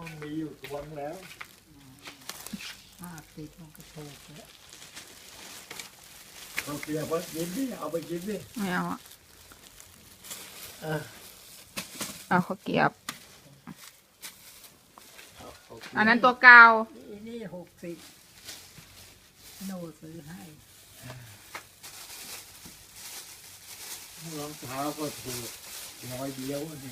มันมีอยู่ตัวนึงแล้ว 50มันก็ถูกแล้วเอาเกลียบไปกินดิเอาไปกินดิไม่เอาอ่ะเออเอาข้าวเกรียบเอาเกลียบอันนั้นตัวเก่านี่60โนซื้อให้รองเท้าก็ถูกร้อยเดียวนี่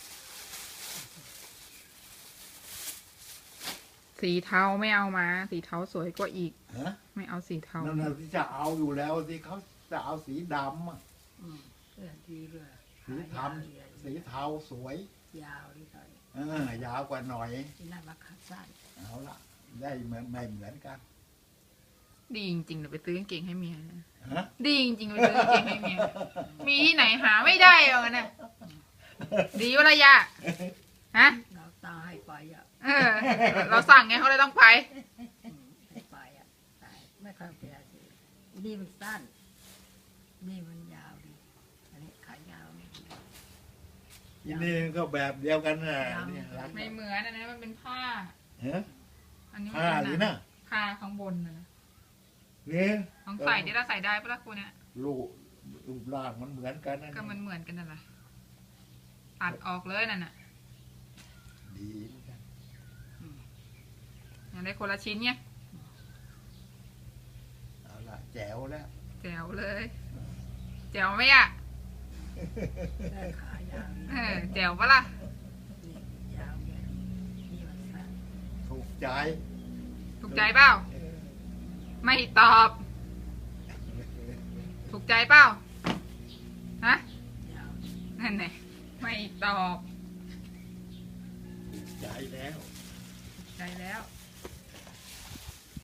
สีเทาไม่เอามา สีเทาสวยกว่าอีกฮะไม่เอาสีเทานั่นน่ะที่จะเอาอยู่แล้วสิเขาจะเอาสีดำอะเสื้อดีเลยสีทำสีเทาสวยยาวนี่หน่อยยาวกว่าหน่อยที่นั่นมาขาสั้นเอาละได้เหมือนไม่เหมือนกันดีจริงๆเดี๋ยวไปซื้อกางเกงให้เมียฮะดีจริงๆไปซื้อกางเกงให้เมีย มีที่ไหนหาไม่ได้หรอกนะดีวะระยะฮะเราตาให้ไปอ่ะเออ เราสั่งไงเขาเลยต้องไปให้ไปอ่ะไม่ค่อยเปลี่ยนนี่มันสั้น นี่มันยาวดีอันนี้ขายาวนี่ที่นี่ก็แบบเดียวกันน่ะนี่รักไม่เหมือนอันนั้นมันเป็นผ้าฮะอันนี้มันผ้าเป็นหรือหนัน่ะงผ้าข้างบนนะนี่ต้องใส่ที่เราใส่ได้ปะล่ะกูเนี่ยรูปร่างมันเหมือนกันนะก็มันเหมือนกันนั่นแหละตัดออกเลยนั่นน่ะดีเหมือนกันอย่างได้คนละชิ้นเนี่ยเอาละแจ๋วแล้วแจ๋วเลยแจ๋วไหมอ่ะได้ขายาวนี่เออแจ๋วปะล่ะนี่ยาวเนี่ยนี่มันสั้นถูกใจถูกใจเปล่าเออไม่ตอบ ถูกใจเปล่าฮะยาวนั่นไงไม่ตอบถูกใจแล้วถูกใจแล้วย